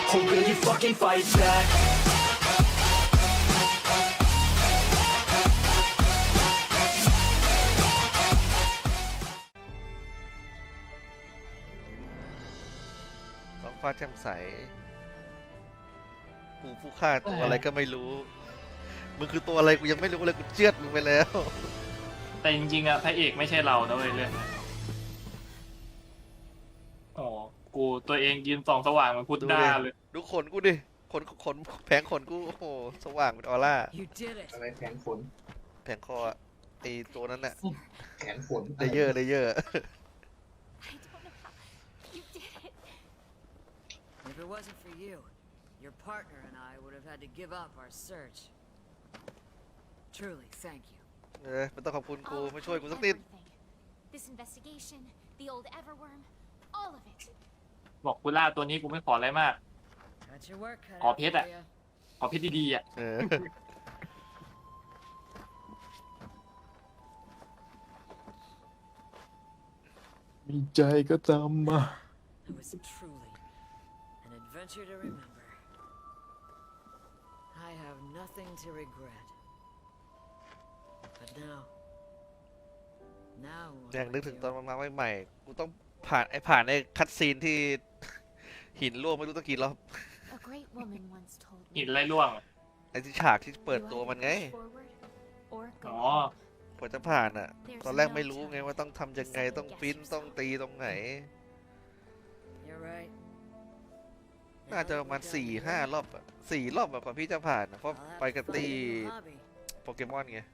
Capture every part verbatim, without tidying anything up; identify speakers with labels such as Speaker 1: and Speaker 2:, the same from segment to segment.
Speaker 1: Or will you fucking fight back?
Speaker 2: ท้องฟ้าแจ่มใสกูผู้ฆ่าตัวอะไรก็ไม่รู้มึงคือตัวอะไรกูยังไม่รู้เลยกูเจือดมึงไปแล้ว
Speaker 3: แต่จริงๆอะพระเอกไม่ใช่เรานะเว้ยเรื่องนี้อ๋อกูตัวเองยืนส่องสว่างเหมันพุทธด้าเลย
Speaker 2: ดูขนกูดิขนขนแผงขนกูโอ้โหสว่างเป็นออร่า
Speaker 4: You did it.
Speaker 5: อะไรแขนฝน
Speaker 2: แผงคออะไอตัวนั้นน่ะ
Speaker 5: แขนฝน
Speaker 2: เลเยอร์เลเยอร์
Speaker 6: I don't know how you did it.
Speaker 4: If it wasn't for you, your partner and I would have had to give up our search. Truly, thank you.
Speaker 2: เออมันต้องขอบคุณกู
Speaker 6: All
Speaker 2: ไม่ช่วยกู
Speaker 6: of
Speaker 2: สักนิด
Speaker 6: everything. This investigation, the old Everworm, all of it.
Speaker 3: บอกกูล่าตัวนี้กูไม่ขออะไรมาก
Speaker 4: Got your work cut
Speaker 3: Có
Speaker 4: out
Speaker 3: biết
Speaker 4: for
Speaker 3: ạ.
Speaker 4: you.
Speaker 3: ขอเพชรดีๆอ่ะ
Speaker 2: เออ
Speaker 7: มีใจก็ตามมา
Speaker 4: It was truly an adventure to remember. I have nothing to regret. But now, now what
Speaker 2: ยัง
Speaker 4: do
Speaker 2: นึ
Speaker 4: I
Speaker 2: กถึง
Speaker 4: do?
Speaker 2: ตอนมาใหม่ๆกูต้องผ่านไอผ่านไอคัดซีนที่ หินร่วงไม่รู้ตั้งกี่รอบ
Speaker 6: A great woman once told
Speaker 3: หิน
Speaker 6: me.
Speaker 3: ไล่ล่วง
Speaker 2: ไอที่ฉากที่เปิด
Speaker 6: You
Speaker 2: ตัว
Speaker 6: either
Speaker 2: มันไง
Speaker 6: push forward or go
Speaker 3: อ๋อ
Speaker 6: home.
Speaker 2: กว่าจะผ่านอ่ะ
Speaker 6: There's
Speaker 2: ตอนแรก
Speaker 6: no
Speaker 2: ไม่รู้ไง
Speaker 6: telling
Speaker 2: ว่าต้องทำยังไง
Speaker 6: Just
Speaker 2: ต้อง
Speaker 6: guess
Speaker 2: ปิ้น
Speaker 6: yourself.
Speaker 2: ต้องตีตรงไหน
Speaker 4: You're right.
Speaker 2: น่าจะประมาณสี่ห้ารอบอะสี่รอบแบบกว่าพี่จะผ่านอะเพราะ
Speaker 4: I'll have
Speaker 2: ไปกับ
Speaker 4: to
Speaker 2: ตี
Speaker 4: find a new hobby.
Speaker 2: โปเกมอนไง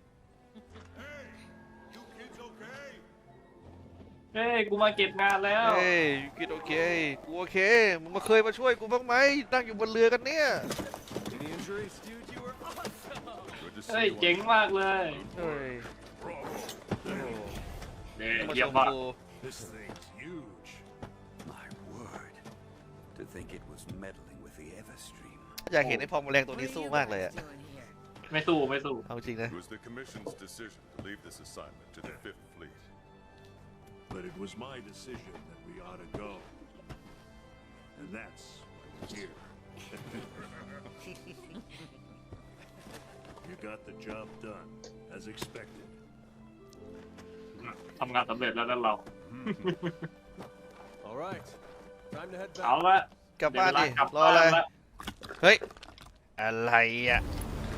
Speaker 3: เฮ้ยกูมาเก็บงานแล้ว
Speaker 2: เฮ้ยยูกินโอเค กูโอเค มึงมาเคยมาช่วยกูบ้างไหมนั่งอยู่บนเรือกันเนี่ย
Speaker 7: Any injuries, dude? You were awesome. Good to
Speaker 3: เฮ้ย
Speaker 7: see you.
Speaker 3: เจ๋งมากเลย
Speaker 2: เฮ้ย
Speaker 7: Bravo.
Speaker 2: โอ้โห
Speaker 3: เฮ้ย
Speaker 2: มาช
Speaker 3: เยี่ยม
Speaker 2: ม
Speaker 3: มาก
Speaker 2: กู
Speaker 7: This thing's huge.
Speaker 8: My word. To think it was meddling with the Everstream.
Speaker 2: อยากเห็นไอ้พอมแรงตัว
Speaker 4: What
Speaker 2: นี้
Speaker 4: are
Speaker 2: สู้
Speaker 4: you
Speaker 2: มากเลย
Speaker 4: guys
Speaker 2: อะ
Speaker 4: doing here?
Speaker 3: ไม่สู้ไม่สู้
Speaker 2: เอาจริงนะ
Speaker 9: It was the Commission's decision to leave this assignment to the Fifth Fleet.
Speaker 10: But it was my decision that we ought to go. And that's why we're here. You got the job done, as expected.
Speaker 3: ทำงานสำเร็จแล้วนั่นเรา
Speaker 7: All right. Time to head
Speaker 3: เอา
Speaker 7: back.
Speaker 3: ละ
Speaker 2: กลับบ้านดิ
Speaker 3: เดี๋ยวเวลกลับ
Speaker 2: รออะไร
Speaker 3: บ้านละ
Speaker 2: เฮ้ย อะไรอ่ะ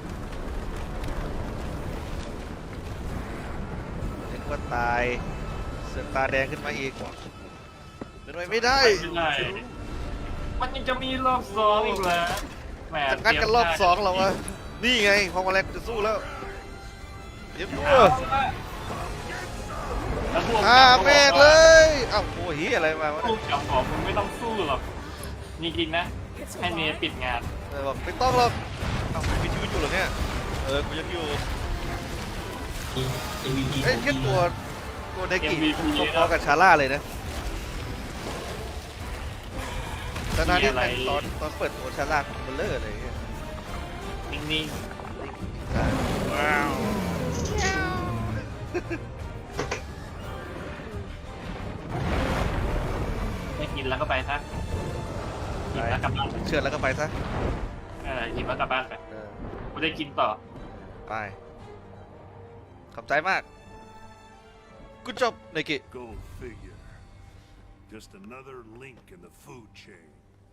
Speaker 2: นึกว่าตายเสือกตาแดงขึ้นมาอีกเป็นไปไม่ได้
Speaker 3: ไม่ได้มันยังจะมีรอบสองอีกเหรอแหม
Speaker 2: จะงัดกันรอบสองเหรอวะ นี่ไงพอมาแรงจะสู้แล้วเย็บตัว
Speaker 3: เอาละแล้วพวก
Speaker 2: อ่า
Speaker 3: จับ
Speaker 2: แม่ง
Speaker 3: ก็
Speaker 2: เล
Speaker 3: บอกว่าย
Speaker 2: เอ้าโอ้ยอะไรมาวะ
Speaker 3: พวกจับบอกมึงไม่ต้องสู้หรอกจริงๆนะ ให้เมย์ปิดงาน
Speaker 2: เออบอกไม่ต้องหรอกเอ้ามีชีวิตอยู่เหรอเนี่ย เออ กูยังอยู่เอ้ยแค่ตัวตัวเดกิ
Speaker 3: เอ็มวีพี
Speaker 2: พอๆกับชาร่าเลยนะตอนนั้นนี่
Speaker 3: มีอะไร
Speaker 2: ตอนตอนเปิดตัวชาร่าของเบลเลอร์เลย
Speaker 3: นิ่ง
Speaker 2: ว้าว
Speaker 3: ๆไม่กินแล้วก็ไปซะกินแล้วกลับบ้าน
Speaker 2: เชื่อแล้วก็ไปซะ
Speaker 3: เออกินแล้วกลับบ้านไป
Speaker 2: เออ
Speaker 3: กูได้กินต่อ
Speaker 2: ไป ขอบใจมากกูจบเดกิ
Speaker 10: Go figure. Just another link in the food chain.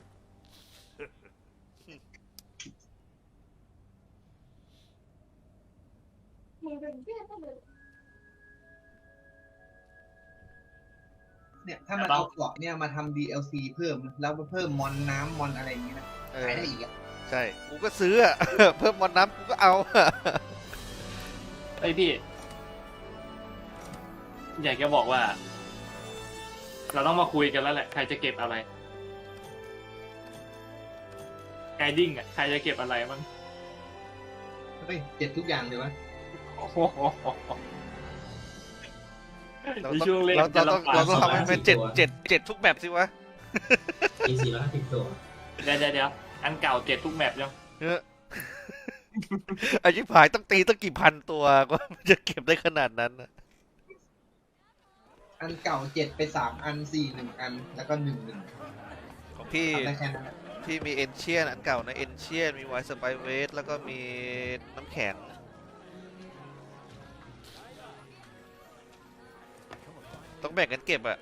Speaker 5: เนี่ยถ้ามันเอาเกาะเนี่ยมาทำ ดี แอล ซี เพิ่มนะแล้วมาเพิ่มมอนน้ำมอนอะไรอย่างนี้นะ
Speaker 2: เออ
Speaker 5: ขายได้อีกอ่ะ
Speaker 2: ใช่ กูก็ซื้ออะ เพิ่มมอนน้ำกูก็เอา
Speaker 3: ไอยพี่ อยากจะบอกว่า เราต้องมาคุยกันแล้วแหละ ใครจะเก็บอะไรไกดิ้งอ่ะ ใครจะเก็บอะไรมั้ง
Speaker 5: เฮ้ยเจ็ดทุกอย่างเลยวะ
Speaker 3: โอ้โห
Speaker 2: เรา
Speaker 3: ใน
Speaker 2: ต้อง
Speaker 3: ช่วงเล่น
Speaker 2: เรา
Speaker 3: จะ
Speaker 2: เราต้อง
Speaker 3: ลำบาก
Speaker 2: เราต้องทำให้มันเจ็ดเจ็ดเจ็ดทุกแบบสิวะ
Speaker 11: มีสี่ร้อยห้าสิบตัว
Speaker 3: เดี๋ยวเดี๋ยวเดี๋ยวอันเก่าเจ็ดทุกแมปยัง
Speaker 2: เออ ไอ้ชิบหายต้องตีตั้งกี่พันตัวก็มันจะเก็บได้ขนาดนั้นน่ะ
Speaker 5: อันเก่าเจ็ดไปสามอันสี่หนึ่งอันแล้วก็หนึ่งหนึ่ง
Speaker 2: ของพี่
Speaker 5: ทำได้แค่นั้นแหละ
Speaker 2: พี่มีเอนเชียนอันเก่านะเอนเชียนมีไวสไปเวสแล้วก็มีน้ำแข็งต้องแบ่งกันเก็บอะ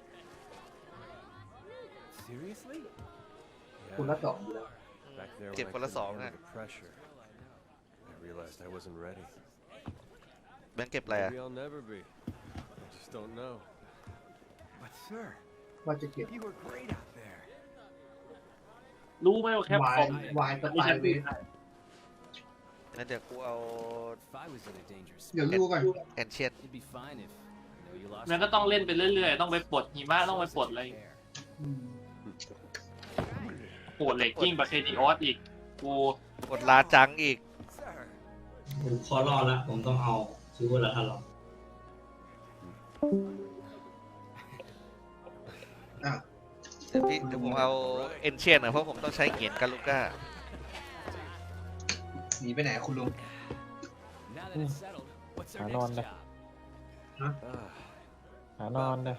Speaker 7: Seriously?
Speaker 5: คุณละสองอยู่แล้ว
Speaker 7: Back there
Speaker 2: เก็บ
Speaker 7: when I
Speaker 2: คนละ
Speaker 7: couldn't
Speaker 2: สอง
Speaker 7: handle
Speaker 2: นะ
Speaker 7: the pressure, I realized I wasn't ready.
Speaker 2: แบ่งเก็บอะไรอะ
Speaker 7: Maybe I'll never be. I just don't know. But sir,
Speaker 5: ว่าจะเก็บ
Speaker 7: you were great out there.
Speaker 3: รู้ไหมว่าแคป
Speaker 5: วา
Speaker 3: ค
Speaker 5: ย
Speaker 3: อม
Speaker 5: วายส
Speaker 3: ไม่
Speaker 5: ไต
Speaker 3: ใช่
Speaker 5: ล์เว
Speaker 3: ปืน
Speaker 5: ท
Speaker 3: ได้
Speaker 2: งั้นเดี๋ยวกูเอา
Speaker 7: If I was in a dangerous
Speaker 5: เดี๋ยวดูก่อน
Speaker 2: เอนเชียน
Speaker 7: it'd be fine if you know you lost.
Speaker 3: มันก็ต้องเล่นไปเรื่อยๆ ต้องไปปลดหิมะต้องไปปลดอะไร
Speaker 5: อืม
Speaker 3: ปวดเหล็กยิ่งกว่าเคดีออสอีก กู
Speaker 2: กดลาจังอีก
Speaker 11: ผมขอรอดละผมต้องเอาซูเปอร์ละทันหรอก
Speaker 5: อ่ะ
Speaker 2: เดี๋ยวพี่เดี๋ยวผมเอาเอนเชียนนะเพราะผมต้องใช้เหรียญกาลูก้า
Speaker 5: หนีไปไหนคุณลุง
Speaker 7: Now that it's settled, what's our
Speaker 12: Ano
Speaker 7: next
Speaker 12: na?
Speaker 7: job?
Speaker 5: Huh?
Speaker 7: Ah,
Speaker 12: หานอนนะ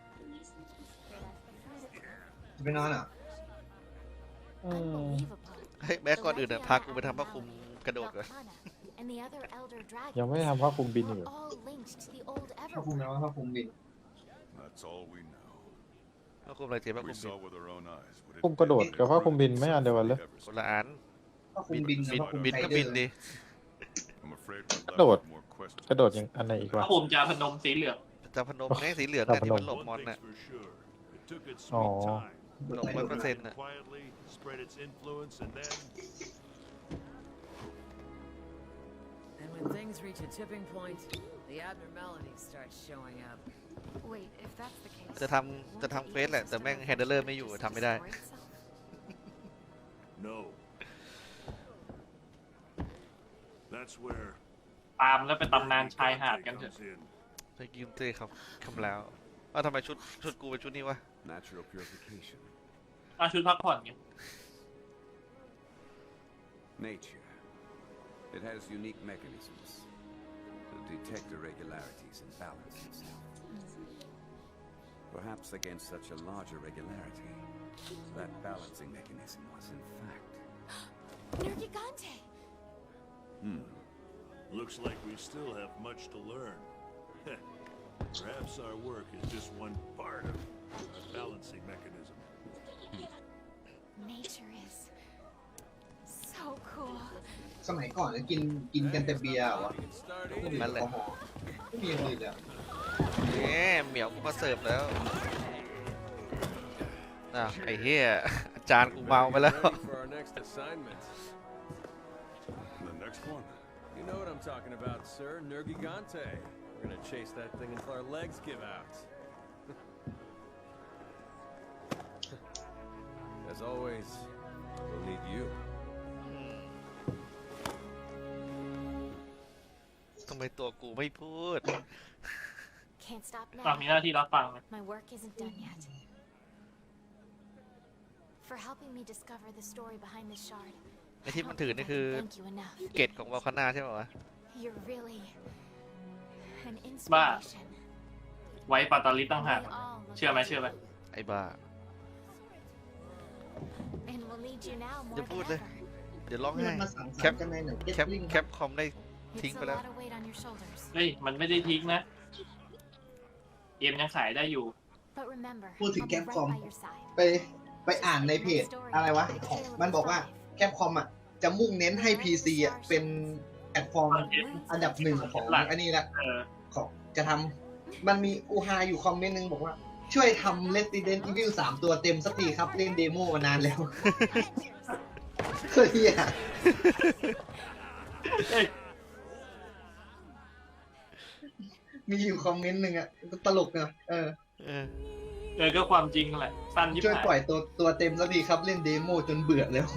Speaker 5: จะไปนอนอ่ะ
Speaker 12: อืม
Speaker 6: Unbelievable.
Speaker 2: เฮ้ยแม้ก่อนอื่นอะพากูไปทำผ้าคลุมกระโดดก่อน
Speaker 6: Velkhana and the other elder dragons
Speaker 12: ยังไม่ได้ทำผ้าคลุมบินอยู่
Speaker 6: were all linked to the old
Speaker 5: ถ้าคุม
Speaker 6: Everworm.
Speaker 5: แล้วถ้าคุมบิน
Speaker 9: That's all we know.
Speaker 2: ผ้าคลุมอะไรเจ๊ผ้าค
Speaker 9: We
Speaker 2: ลุมบิน
Speaker 9: saw with our own eyes what it
Speaker 12: คลุมกระโดดกับผ้าคลุมบินไม่อันเดียวกันเลย
Speaker 2: คนละอัน
Speaker 5: ถ้าคุมบิน
Speaker 2: บิน
Speaker 5: ถ้าคุม
Speaker 2: บิน
Speaker 5: ไท
Speaker 2: ก็
Speaker 5: เดอ
Speaker 2: บิน
Speaker 5: ร์
Speaker 2: ดิ
Speaker 9: I'm afraid we're left
Speaker 12: กระโดด
Speaker 9: with more questions.
Speaker 12: กระโดดยังอันไหนอีกวะ
Speaker 3: ถ้าผมจะพนมสีเหลือง
Speaker 2: จะพนมไงสีเหลืองเนี่ยที่มันหลบ
Speaker 10: One
Speaker 2: มอน
Speaker 10: thing's
Speaker 2: น่ะ
Speaker 10: for sure. It took its
Speaker 12: Oh.
Speaker 10: sweet time.
Speaker 2: หลบร้อยเปอร์เซ็นต์น่ะ
Speaker 10: Quietly spread its influence, and then
Speaker 4: And when things reach a tipping point, the abnormalities start showing up.
Speaker 6: Wait, if that's the case,
Speaker 2: จะทำจะทำเฟสแหละแต่แม่งแฮนเดลเลอร์ไม่อยู่ทำไม่ได้
Speaker 6: destroy itself?
Speaker 10: no. That's where
Speaker 3: ตามแล้วไปตำนานชายหาดกันเถอะ
Speaker 10: comes in.
Speaker 2: ไปยืมเต้ครับคำแล้วเอ้าทำไมชุดชุดกูเป็นชุดนี้วะ
Speaker 8: Natural purification.
Speaker 3: อาชุดพักผ่อนไง
Speaker 8: Nature. It has unique mechanisms to detect irregularities and balance itself. Perhaps against such a large irregularity, that balancing mechanism was in fact.
Speaker 6: Nergigante!
Speaker 8: Hmm.
Speaker 10: Looks like we still have much to learn. Perhaps our work is just one part of a balancing mechanism.
Speaker 6: Nature is so cool.
Speaker 5: สมัยก่อนเนี่ยกินกินกันแต่เบียร์เหรอวะ
Speaker 7: we can start
Speaker 5: ไม่
Speaker 7: eating.
Speaker 5: มีแอลกอฮอล์ไม่มีอย่างอื่นเลยอะ
Speaker 2: เนี่ยเหมียวกูมาเสิร์ฟแล้วอ่ะไอ้เหี้ยอาจารย์กูเมาไปแล้ว
Speaker 7: Ready for our next assignment.
Speaker 9: The next one.
Speaker 7: You know what I'm talking about, sir. Nergigante. We're gonna chase that thing until our legs give out. As always, we'll need you.
Speaker 2: ทำไมตัวกูไม่พูด
Speaker 6: Can't stop
Speaker 3: ตาม
Speaker 6: now.
Speaker 3: มีหน้าที่รับฟังนะ
Speaker 6: My work isn't done yet. For helping me discover the story behind this shard.
Speaker 2: ไอ้ที่มันถือนี่คือ
Speaker 6: Thank you enough.
Speaker 2: เกตของวอลคาน่าใช่ป่าวะ
Speaker 6: You're really an inspiration.
Speaker 3: ไว้ปาตาลิสตั้งหาก
Speaker 6: We all look
Speaker 3: เชื่อไหม
Speaker 6: up to
Speaker 3: เชื่อไหม
Speaker 6: you.
Speaker 2: ไอ้บ้า
Speaker 6: And we'll need you now more
Speaker 2: อย่า
Speaker 6: than
Speaker 2: พูดเลย
Speaker 6: ever.
Speaker 2: เดี๋ยวร้อง
Speaker 5: นี่
Speaker 2: ไห้
Speaker 5: มันมาสังส
Speaker 2: แค
Speaker 5: รร
Speaker 2: ป
Speaker 5: ค์กันในไหนเก็ต
Speaker 2: แคป
Speaker 5: ลิง
Speaker 2: แคปคอมได้ทิ้ง
Speaker 6: It's
Speaker 2: ไป
Speaker 6: a
Speaker 2: แล้ว
Speaker 6: lot of weight on your shoulders.
Speaker 3: เฮ้ย มันไม่ได้ทิ้งนะ เกมยังขายได้อยู่
Speaker 6: But remember,
Speaker 5: พูดถึง
Speaker 6: I'll
Speaker 5: แค
Speaker 6: be
Speaker 5: ป
Speaker 6: right
Speaker 5: คอม
Speaker 6: by your side.
Speaker 5: ไปไปอ่านในเพจอะไรวะของมันบอกว่าแคปคอมอ่ะจะมุ่งเน้นให้ พี ซี อ่ะเป็นแพลตฟอร์มอันดับหนึ่งของอันนี้ละ
Speaker 3: เออ
Speaker 5: ของจะทำมันมีอูฮาอยู่คอมเมนต์นึงบอกว่า ช่วยทำ Resident Evil สามตัวเต็มสักทีครับเล่นเดโมมานานแล้วเฮ้ยเหี้ย
Speaker 3: เฮ้ย
Speaker 5: มีอยู่คอมเมนต์หนึ่งอ่ะตลกเนอะเออ
Speaker 2: เออ
Speaker 3: เออ ก็ความจริงแหละ สั้นยิบ
Speaker 5: ช่วย
Speaker 3: หาย
Speaker 5: ปล่อยตัวตัวเต็มสักทีครับเล่นเดโมจนเบื่อแล้ว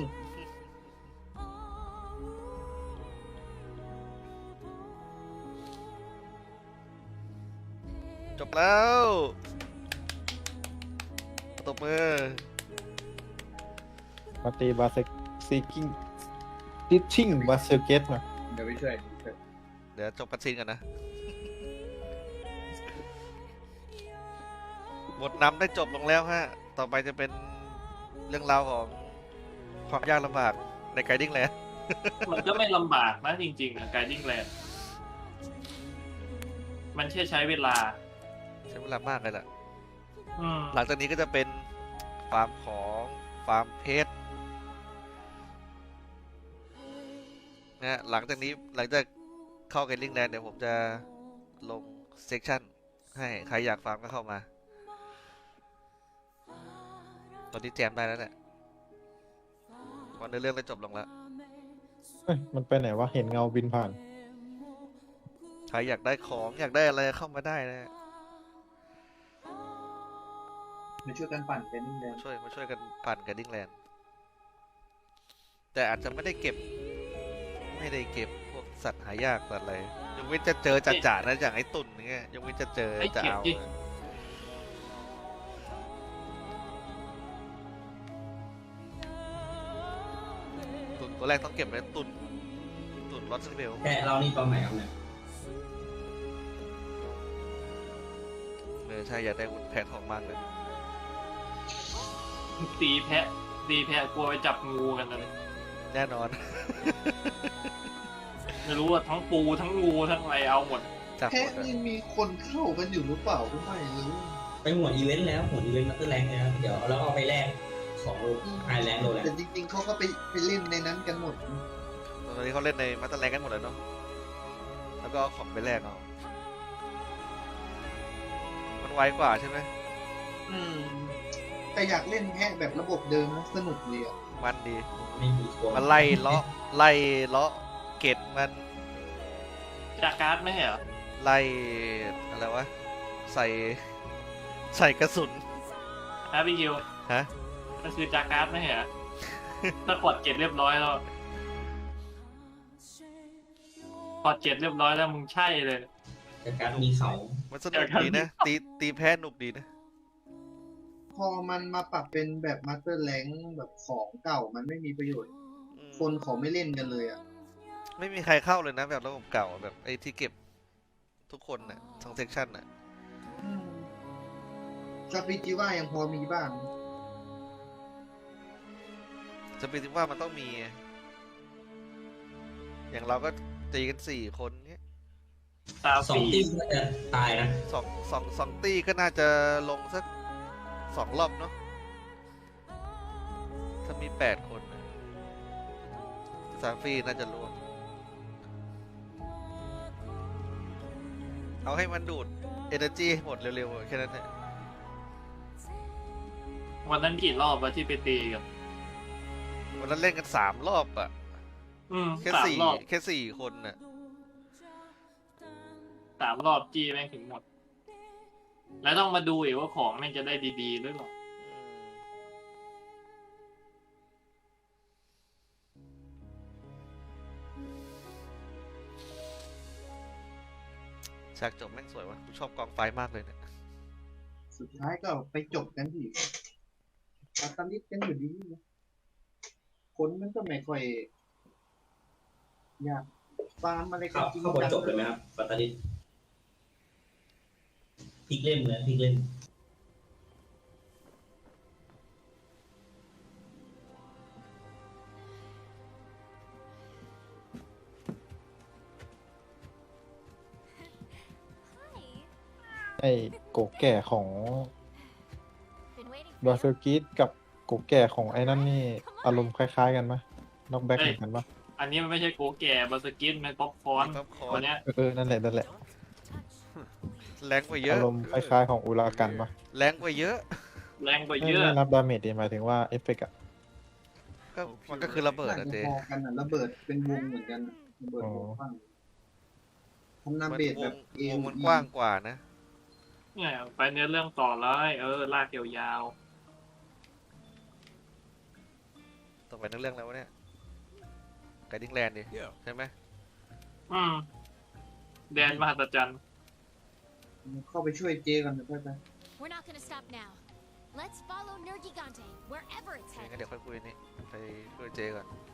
Speaker 2: จบแล้วตบมือ
Speaker 12: มาตีบาเซซีกิ้งดิชชิ่งบาเซเกตมา
Speaker 5: เดี๋ยวไปช่วย
Speaker 2: เดี๋ยวจบกันซีนกันนะบทนำได้จบลงแล้วฮะ ต่อไปจะเป็นเรื่องราวของความยากลำบากในไกดิ้งแลนด์
Speaker 3: มันก็ไม่ลำบากนะจริงๆอะไกดิ้งแลนด์มันแค่ใช้เวลา
Speaker 2: ใช้เวลามากเลยแหละ
Speaker 3: อืม
Speaker 2: หลังจากนี้ก็จะเป็นฟาร์มของฟาร์มเพชรนะหลังจากนี้หลังจากเข้าไกดิ้งแลนด์เดี๋ยวผมจะลงเซกชันให้ใครอยากฟาร์มก็เข้ามา ตอนนี้แจมได้แล้วแหละวันเนื้อเรื่องได้จบลงแล้ว
Speaker 12: เอ้ยมันไปไหนวะ เห็นเงาบินผ่าน
Speaker 2: ใครอยากได้ของอยากได้อะไรเข้ามาได้นะ
Speaker 5: มาช่วยกันปั่นเป็นนี่เลย
Speaker 2: ช่วยมาช่วยกันปั่นไกดิ้งแลนด์แต่อาจจะไม่ได้เก็บ ไม่ได้เก็บพวกสัตว์หายากสัตว์อะไรยกเว้นจะเจอจ่าๆนะอย่างไอ้ตุ่นเงี้ยยกเว้นจะเจอจะเอาตุ่นตัวแรกต้องเก็บไว้ตุ่นตุ่นลอสเบล
Speaker 11: แค่เรานี่ตอนไหนครับเนี่ย
Speaker 2: เออใช่อยากได้หุ่นแพะทองมากเลย
Speaker 3: ตีแพะตีแพะกลัวไปจับงูกันเลย
Speaker 2: แน่นอน
Speaker 3: ไม่รู้ว่าทั้งปูทั้งงูทั้งอะไรเอาหมด
Speaker 2: จับห
Speaker 5: แค่
Speaker 2: มดอะ
Speaker 5: นี่มีคนเข้ากันอยู่หรือเปล่าก็ไม่รู้
Speaker 11: ไปหัวอีเวนต์แล้วหัวอีเวนต์มัตเตอร์แรงเลยนะเดี๋ยวเราเอาไปแลกของไฮแลนด์โรแลน
Speaker 5: แต่
Speaker 11: ด์
Speaker 5: จริงๆเขาก็ไปไปเล่นในนั้นกันหมด
Speaker 2: ตอนนี้เขาเล่นในมาสเตอร์แลนด์กันหมดเลยเนาะแล้วก็เอาของไปแลกเอามันไวกว่าใช่ไหม
Speaker 5: อืมแต่อยากเล่นแค่แบบระบบเดิมนะสนุกดีอ่ะ
Speaker 2: มันดี
Speaker 11: ไม่มีตัว
Speaker 2: มันไล่เลาะไล่เลาะเกตมัน
Speaker 3: จากการ์ดไม่ใช่เหรอ
Speaker 2: ไล่อะไรวะใส่ใส่กระสุน
Speaker 3: ฮะพี่คิว
Speaker 2: ฮะ
Speaker 3: ก็คือจากการ์ดไม่ใช่เหรอ ถ้ากดเก็บเรียบร้อยแล้วกดเก็บเรียบร้อยแล้วมึงใช่เลย
Speaker 11: แต่การมีเขา
Speaker 2: มันสนุกดีนะตีตีแพ้หนุกดีนะ
Speaker 5: พอมันมาปรับเป็นแบบมาสเตอร์แรงแบบของเก่ามันไม่มีประโยชน์
Speaker 2: อืม
Speaker 5: คนเขาไม่เล่นกันเลยอ่ะ
Speaker 2: ไม่มีใครเข้าเลยนะแบบระบบเก่าแบบไอ้ที่เก็บทุกคนน่ะทั้งเซกชันน่ะ
Speaker 5: สปิจิว่ายังพอมีบ้าง
Speaker 2: จะเป็นที่ว่ามันต้องมี อย่างเราก็ตีกันสี่คนเงี้ย
Speaker 3: ตา
Speaker 11: สอง
Speaker 3: สี
Speaker 11: ทีมก็จะตายนะ
Speaker 2: สองสองสองตีก็น่าจะลงสักสองรอบเนาะถ้ามีแปดคนนะซาฟี่น่าจะร่วมเอาให้มันดูด energy ให้หมดเร็วๆแค่นั้นแหละ
Speaker 3: วันนั้นกี่รอบวะที่ไปตีกัน
Speaker 2: วันนั้นเล่นกันสามรอบอะ
Speaker 3: อืม
Speaker 2: แค่
Speaker 3: สาม
Speaker 2: สี่
Speaker 3: รอบ
Speaker 2: แค่สี่คนน่ะ
Speaker 3: สามรอบจี้แม่งถึงหมด แล้วต้องมาดูอีกว่าของแม่งจะได้ดีๆหรือเปล่า
Speaker 2: ฉากจบแม่งสวยวะกูชอบกองไฟมากเลยเนี่ย
Speaker 5: สุดท้ายก็ไปจบกันที่ปาตาลิสกันอยู่ดีนะคนมันก็ไม่ค่อยอยากฟาร์มอะไรกั
Speaker 11: เขา
Speaker 5: นจริง
Speaker 11: เขาบทจบเลยไหมครับฟัตตาลิสพลิกเล่มเลยพลิกเล่ม
Speaker 12: ไอ้โกแก่ของ
Speaker 6: Been waiting
Speaker 12: บา
Speaker 6: for
Speaker 12: เซอ
Speaker 6: you.
Speaker 12: ร์กิสกับโกแก่ของไอ้นั่นนี่อารมณ์คล้ายๆกันปะน็อกแบ็กเหมือนกันปะ
Speaker 3: อันนี้มันไม่ใช่โกแก่บาสกินมันป๊อปคอร์น
Speaker 2: ป๊อปคอร์น
Speaker 3: วันเนี้ย
Speaker 12: เออ นั่นแหละ นั่นแหละ
Speaker 2: แรงกว่าเยอะ
Speaker 12: อารมณ์คล้ายๆของอุรากันปะ
Speaker 2: แรงกว่าเยอะ
Speaker 3: แรงกว่า
Speaker 12: ไม่
Speaker 3: เยอะ
Speaker 12: ไม่นับดาเมจดิหมายถึงว่าเอฟเฟกต์อะ
Speaker 2: ก็มันก็คือระเบิด
Speaker 5: น่า
Speaker 2: อะ
Speaker 5: จะ
Speaker 2: เจ
Speaker 5: พอกันอ่ะระเบิดเป็นวงเหมือนกันอะระเบิดวงกว้างทำนา
Speaker 2: มัน
Speaker 5: เบด
Speaker 2: ว
Speaker 5: แบ
Speaker 2: ง
Speaker 5: บเอ
Speaker 2: วงมันกว้างกว่านะ
Speaker 3: เนี่ยไปเนื้อเรื่องต่อเลยเออลากยาว
Speaker 2: ต่อไปนั่งเรื่องแล้ววะเนี่ยไกดิ้งแลนด์ดิ
Speaker 9: Yeah.
Speaker 2: ใช่ไหม
Speaker 3: ๆอืมแดนมหัศจรรย์
Speaker 5: เข้าไปช่วยเจกันนะเพื่อน
Speaker 6: We're not gonna stop now. Let's follow Nergigante wherever it's
Speaker 2: งั้น
Speaker 6: headed.
Speaker 2: เดี๋ยวค่อยคุยนี่ไปช่วยเจก่อน